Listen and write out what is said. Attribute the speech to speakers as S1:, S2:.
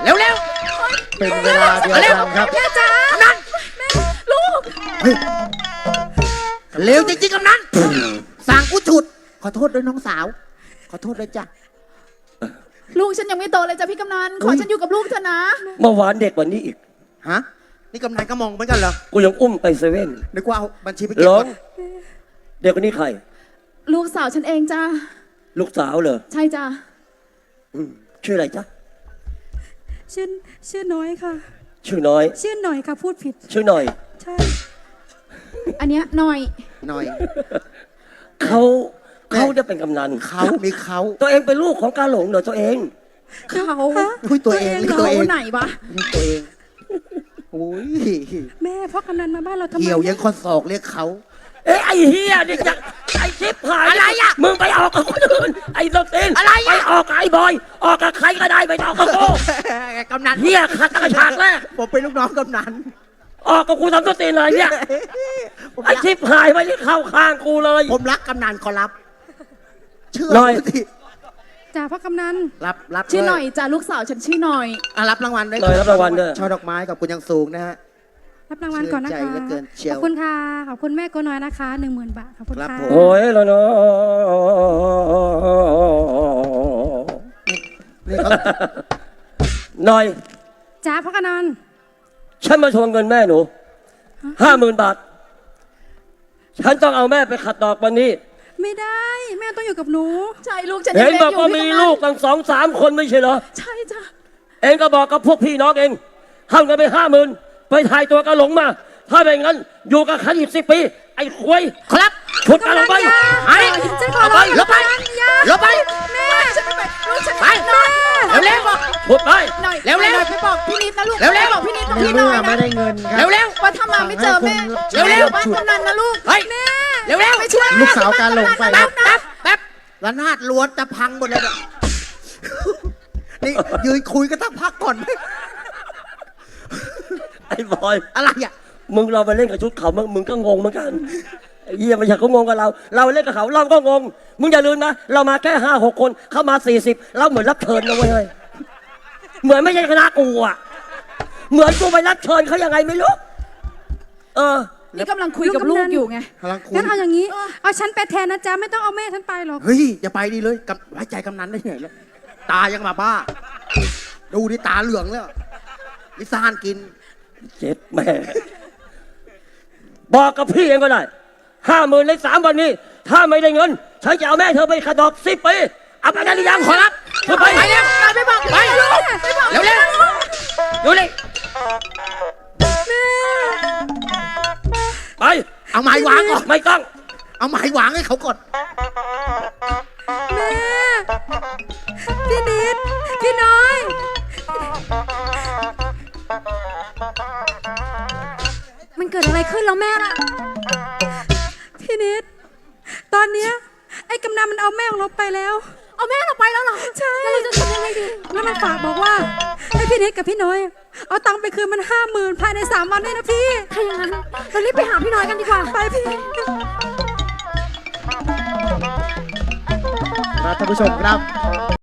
S1: เร็ว
S2: เป็นเวลาเดียวกันครับ
S1: แม่จ๋านั่นลูกเร็วจริงๆกำนันสั่งกูฉุดขอโทษด้วยน้องสาวขอโทษด้วยจ้ะ
S3: ลูกฉันยังไม่โตเลยจ้ะพี่กำนันขอฉันอยู่กับลูกเถอะนะ
S4: เมื่อวานเด็กกว่านี้อีก
S1: ฮะนี่กำนันก็มองเหมือนกันเหรอ
S4: กูยังอุ้มไปเซเว่น
S1: นึกว่าเอาบัญชีไปเก็บ
S4: เด็กคนนี้ใคร
S3: ลูกสาวฉันเองจ้ะ
S4: ลูกสาวเหรอ
S3: ใช่จ้ะ
S4: ชื่ออะไรจ๊ะ
S5: ชื่อน้อยค่ะ
S4: ชื่อน้อย
S5: ชื่อหน่อยค่ะพูดผิด
S4: ชื่อหน่อย
S5: ใช่
S3: อันเนี้ยหน่อย
S4: เขาจะเป็นกำนัน
S1: เขามีเขา
S4: ตัวเองเป็นลูกของกาหลงเหรอตัวเอง
S3: เขา
S1: คุยตัวเอง
S3: เขาไหนวะ
S1: ตัวเองโอ้ย
S5: แม่พ่อกำนันมาบ้านเราทำไม
S1: เกี่ยวยังคนศอกเรียกเขา
S4: ไอ้เฮียนี่จะไอ้ชิบหายอะไรอ่ะมึงไปออกกับคนอื่นไอ้ตัวเองอะไรไปออกกับไอ้บอยออกกับใครก็ได้ไปออกกับกู
S1: กำนัน
S4: เฮียขัดตะฉากแรก
S1: ผมเป็นลูกน้องกำนัน
S4: ออกกับกูทำตัวตีนเลยเนี่ยไอ้ชิบหายไปที่เข้าข้างกูเลย
S1: ผมรักกำนันขอรับเชื่อ
S5: จ่าพ่อกำนัน
S1: รับ
S3: ชื่อหน่อยจ้าลูกสาวฉันชื่อหน่อย
S1: รับรางวัลด้วย
S4: รับรางวัลด้วย
S1: ช่อดอกไม้กับคุณยังสูงนะฮะ
S5: รับรางวัลก่อนนะคะขอบคุณค่ะขอบคุณแม่โกน้อยนะคะ 10,000 บาทขอบคุณค่ะ
S4: โอ้ยแล้วเนาะหน่อย
S5: จ่าพ่อกำนัน
S4: ฉันมาทวงเงินแม่หนู50,000 บาทฉันต้องเอาแม่ไปขัดดอกวันนี้
S5: ไม่ได้แม่ต้องอยู่กับหนู
S3: ใช่ลูกฉัน
S4: เห็นบอกว่ามีลูกตั้ง2-3 คนไม่ใช่เหรอ
S3: ใช่จ้ะ
S4: เองก็บอกกับพวกพี่น้องเองห้ามกันไป50,000ไปถ่ายตัวกระหลงมาถ้าไม่งั้นอยู่กับขันอีก10 ปีไอ้ควย
S1: ครับ
S4: ฉุดกระหลงไป
S5: ไอ้ฉันขอร้อง
S1: ลบไป
S5: แม่
S3: ฉันไปลูกฉัน
S1: ไปเร็ว
S4: ฉุดไป
S1: เร็ว
S3: ไปบอกพี่นิดนะลูกเร็วบอกพี่นิดกับพี่น้อยนะ
S2: ไม่ได้เงินครับ
S1: เร็ว
S3: ว่าถ้ามาไม่เจอแม่เร็วบ้านกำนันนะลูก
S1: แม่เร็ว
S3: ไปช่วย
S2: ลูกสาวการหลงไป
S1: แป๊บระนาดล้วนจะพังหมดเลยนี่ยืนคุยกันตั้งพักก่อนไหม
S4: ไอ้บอย
S1: อะไรอ่ะ
S4: มึงเราไปเล่นกับชุดเขามึงก็งงเหมือนกันไอ้เหี้ยไม่ใช่เขางงกับเราเล่นกับเขาเราก็งงมึงอย่าลืมนะเรามาแค่5-6 คนเข้ามา40เราเหมือนรับเชิญนะเว้ยเหมือนไม่ใช่คณะกูอ่ะเหมือนกูไปรับเชิญเขายังไงไม่รู้
S3: นี่กำลังคุยกับลูกอยู่ไง
S5: งั้นเอาอย่างนี้เอาฉันไปแทนนะจ๊ะไม่ต้องเอาแม่ฉันไปหรอก
S1: เฮ้ยอย่าไปดีเลยไว้ใจกำนันได้ไงแล้วตายังมาบ้าดูดิตาเหลืองแล้วลิซ่านกิน
S4: เจ็บแม่บอกกับพี่เองก็ได้50,000ใน3 วันนี้ถ้าไม่ได้เงินฉันจะเอาแม่เธอไปขัดดอก10 ปีเอาไปได้หรือยังขอรับ
S1: ไปเร็ว
S3: ไปบอกไปลูก
S1: เร็ว
S4: ดูเลยไป
S1: เอาไม้วางก่อน
S4: ไม่ต้อง
S1: เอาไม้วางให้เขาก่อน
S5: แม่พี่นิดพี่น้อยมันเกิดอะไรขึ้นแล้วแม่ล่ะพี่นิดตอนเนี้ยไอ้กำนันมันเอาแม่ของเราไปแล้ว
S3: เอาแม่เราไปแล้วเหรอ
S5: ใช่
S3: เราจะทำยังไงดี
S5: แล้วมันฝากบอกว่าให้พี่นิดกับพี่น้อยเอาตังค์ไปคืนมัน50,000ภายใน3 วันได้นะพี่
S3: ถ้าอย่างนั้นเรารีบไปหาพี่น้อยกันดีกว่า
S5: ไปพี่
S2: ท่านผู้ชมครับ